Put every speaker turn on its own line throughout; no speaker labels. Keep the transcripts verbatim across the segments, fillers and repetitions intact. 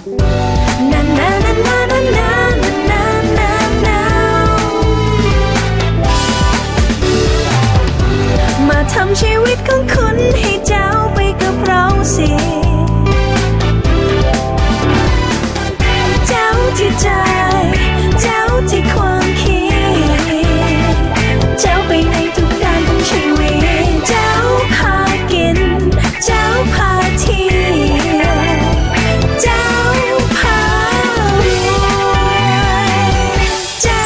มาทำชีวิตของคุณให้เจ้าไปกับเราสิเจ้าที่ใจเจ้าที่ความคิดเจ้าไปในทุกด้านของชีวิตเจ้าพากินเจ้าพาเที่ยวเจ้าพารวยเจ้า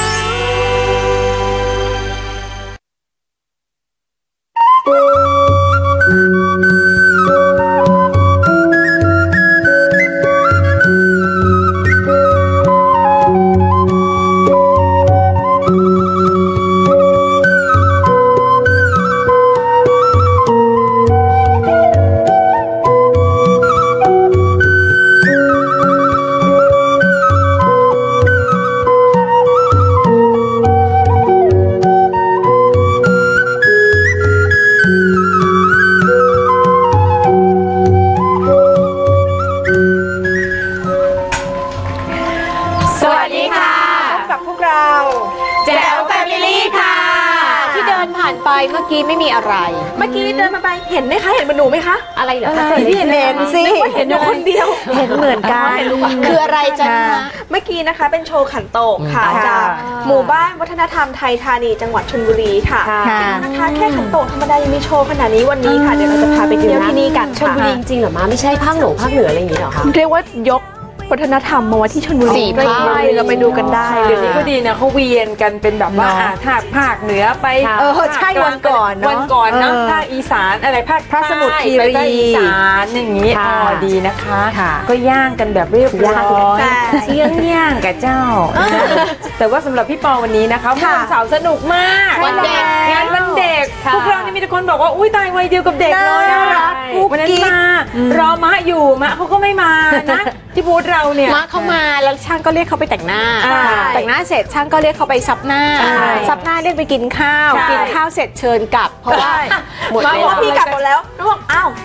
เมื่อกี้ไม่มีอะไร
เมื่อกี้เดินมาไปเห็นไหมคะเห็นมันหนูไหมคะ
อะไรเหรอคะ
เห็นเห็นสิเห็นอยู่คนเดียว
เห็นเหมือนกัน
คืออะไรจ๊ะ
เมื่อกี้นะคะเป็นโชว์ขันโตกค่ะจากหมู่บ้านวัฒนธรรมไทยธานีจังหวัดชลบุรีค่ะนะคะแค่ขันโตกธรรมดายังมีโชว์ขนาดนี้วันนี้ค่ะเดี๋ยวเราจะพาไปเที่ยวที่นี่กัน
ชลบุรีจริงๆเหรอมาไม่ใช่ภาคเหนือภาคเหนืออะไรอย่างนี้หรอคะ
เรียกว่ายกวัฒนธรรมมาไว้ที่ชลบุรี
ใกล้
ๆเราไปดูกันได้
เดี๋ยวนี้ก็ดีนะเขาเวียนกันเป็นแบบว่าภาคภาคเหนือไป
เออใช่วันก่อน
วันก่อนนะภาคอีสานอะไรภาค
พระสมุทรคีรี
อีสานอย่างนี้อ๋อดีนะคะก็ย่างกันแบบเรียบร้อยเชี่ยงย่างกับเจ้าแต่ว่าสำหรับพี่ปอวันนี้นะคะวันเสาร์สนุกมาก
วันเด็ก
งานวันเด็กพวกเรานี่มีแต่คนบอกว่าอุ้ยตายวัยเดียวกับเด็กเลยวันนั้นมารอมะอยู่มะเขาก็ไม่มานะที่บูธเราเนี่ย
มะเขามาแล้วช่างก็เรียกเขาไปแต่งหน้าแต่งหน้าเสร็จช่างก็เรียกเขาไปซับหน้าซับหน้าเรียกไปกินข้าวกินข้าวเสร็จเชิญกลับเพราะว่า
หมดแล้วพี่กลับหมดแล้วน้องบอกอ้าว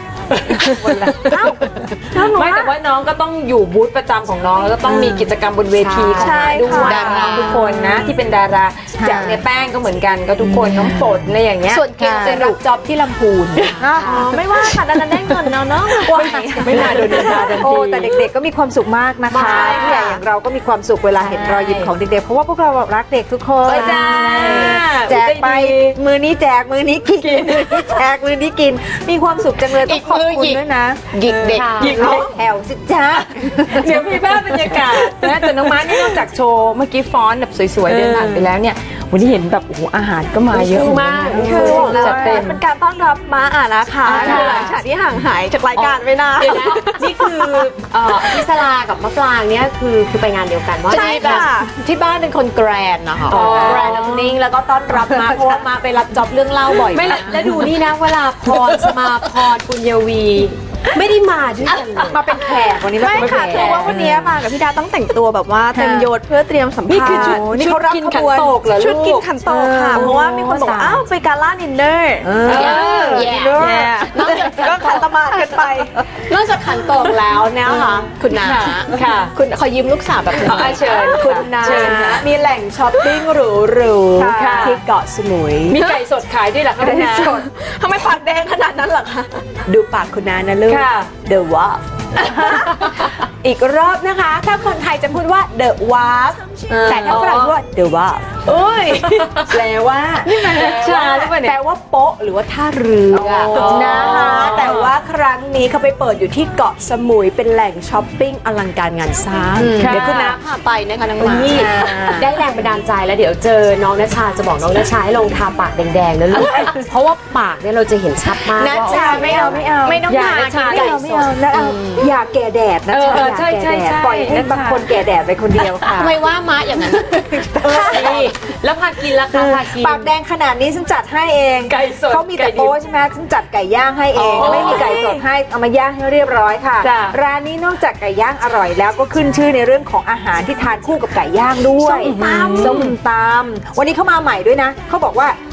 ไม่แต่ว่าน้องก็ต้องอยู่บูธประจำของน้องแล้วก็ต้องมีกิจกรรมบนเวทีของด้วยดาราทุกคนนะที่เป็นดาราจากในแป้งก็เหมือนกันก็ทุกคนน้องฝนอะไรอย่างเงี้ย
ส่วนเก่งจะรับจ็อบที่ลำพูน
ไม่ว่าค่ะดันได้เงินเนาะเนาะ
ไม่น่าโดนด่าทันที
แต่เด็กๆก็มีความสุขมากนะคะผู้ใหญ่อย่างเราก็มีความสุขเวลาเห็นรอยยิ้มของเด็กๆเพราะว่าพวกเรารักเด็กทุกคนแจกไปมือนี้แจกมือนี้กินมือนี้แจกมือนี้กินมีความสุขจังเลยต้องขอบคุณด้วยนะ
หยิกเด็ก
หยิก
แถวสิจ้า
เดี๋ยวมีภาพบรรยากาศนะแต่น้องม้านี่นอกจากโชว์เมื่อกี้ฟ้อนแบบสวยๆเดินผ่านไปแล้วเนี่ยวันนี้เห็นแบบโอ้โหอาหารก็มาเยอะ
มาก
คือจัดเต็มเป็นการต้อนรับม้าอ่ะนะคะคือหลังจากที่ห่างหายจากรายการไปนาน
นี่คือพิศลากับมะปรางเนี่ยคือคือไปงานเดียวกันว่า
ใช่ค่ะ
ที่บ้านเป็นคนแกรนนะคะแกรนนิ่งแล้วก็ต้อนรับมาเพราะว่ามาไปรับจ็อบเรื่องเล่าบ่อยไม่แล้วดูนี่นะเวลาพรสมาพรปุญญวีไม่ได้มาด้วยกัน
มาเป็นแขกวันนี้ไม่ค่ะคือว่าวันนี้มากับพี่ดาต้องแต่งตัวแบบว่าเต็มยศเพื่อเตรียมสัมภาษณ์นี่คือชุด
นี่เขารับขบวน
ชุดกินขันโตกค่ะเพราะว่ามีคนบอกอ้าวไปกาล่าดินเนอร์
นอกจาก
ก็ขันตมากันไป
นอกจากขันโตกแล้วเนี่ยค่ะคุณนา
ค่ะ
คุณขอยืมลูกสาวแบบ
นี้เชิญ
คุณนามีแหล่งช้อปปิ้งหรูๆที่เกาะสมุย
มีไก่สดขายด้วยเหรอคะคุณนา
ทำไมปากแดงขนาดนั้นหรอคะดูปากคุณนานะลูกThe Wharf อีกรอบนะคะถ้าคนไทยจะพูดว่า The Wharf แต่ถ้าฝรั่งพูดว่า The Wharf
โอ้ยแปลว่านี่มันชาหรือเปล่าเนี่ย
แปลว่าโป๊ะหรือว่าท่าเรือนะคะแต่ว่าครั้งนี้เขาไปเปิดอยู่ที่เกาะสมุยเป็นแหล่งช้อปปิ้งอลังการงานสร้าง
เดี๋ยวคุณน้าพาไปนะคะน้องมาได้แรงบันดาลใจแล้วเดี๋ยวเจอน้องณชาจะบอกน้องณชาให้ลงทาปากแดงๆนะลูกเพราะว่าปากเนี่ยเราจะเห็นชัดมาก
ณชาไม่เอาไม่เอา
ไม่ต้องทา
ไม่เอาไม่เอาแล้วเอาอย่าแก่แดดนะ
ใช่ใช่
ปล่อยให้บางคนแก่แดดไปคนเดียวค่ะ
ทำไมว่าม้าอย่างนั้นแล้วพากินราคาพากิน
ปากแดงขนาดนี้ฉันจัดให้เอง
ไก่สด
เขามีแต่โป๊ใช่ไหมฉันจัดไก่ย่างให้เองไม่มีไก่สดให้เอามาย่างให้เรียบร้อยค่ะร้านนี้นอกจากไก่ย่างอร่อยแล้วก็ขึ้นชื่อในเรื่องของอาหารที่ทานคู่กับไก่ย่างด้วยส้มตำวันนี้เขามาใหม่ด้วยนะเขาบอกว่า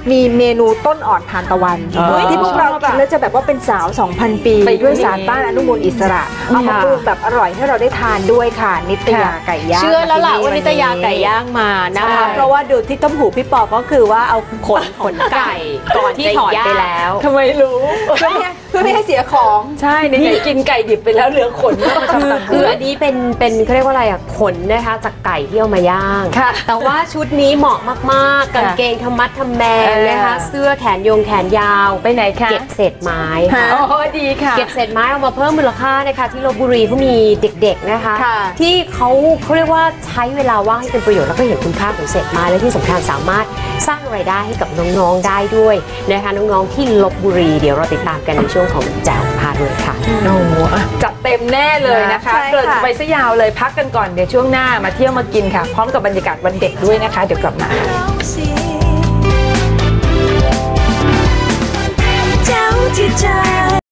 มีเมนูต้นอ่อนทานตะวัน
อ๋อ
ที่พวกเรากินแล้วจะแบบว่าเป็นสาว สองพัน ปี
ไป
ด้วยสารต้านอนุมูลอิสระเอามาปรุงแบบอร่อยให้เราได้ทานด้วยค่ะนิตยาไก่ย่าง
เชื่อแล้วล่ะว่านิตยาไก่ย่างมานะคะ เพราะว่าดูที่ต้มหูพี่ปอก็คือว่าเอาขนขนไก่ก่อนที่ถอดไปแล้ว
ทำไมรู้
เพื่อไม่ให้เพื่อไม่ให้เสียของ
ใช่ในๆกินไก่ดิบไปแล้วเหลือขนมาทำ
คือ
ต่าง
คืออันนี้เป็นเป็นเขาเรียกว่าอะไรอ่ะขนนะคะจากไก่ที่เอามาย่าง
ค่ะ
แต่ว่าชุดนี้เหมาะมากๆกางเกงธรรมัดทำแมงนะคะเสื้อแขนยงแขนยาว
ไปไหนคะ
เก็บเศษไม้
ค่ะ
อ๋อดีค่ะ
เก็บเศษไม้เอามาเพิ่มมูลค่านะคะที่ลพบุรีเขามีเด็กๆนะคะ
ค่ะ
ที่เขาเขาเรียกว่าใช้เวลาว่างให้เป็นประโยชน์แล้วก็เห็นคุณค่าของเศษไม้และที่สำคัญสามารถสร้างรายได้ให้กับน้องๆได้ด้วยนะคะน้องๆที่ลพบุรีเดี๋ยวเราติดตามกันในช่วงของแจ๋วพาด้วยค่ะ
โอ้โหจัดเต็มแน่เลยนะคะ
ใช่ค่ะ
เกิดไปซะยาวเลยพักกันก่อนเดี๋ยวช่วงหน้ามาเที่ยวมากินค่ะ พร้อมกับบรรยากาศวันเด็กด้วยนะคะ เดี๋ยวกลับมา
เจ้าที่ใจ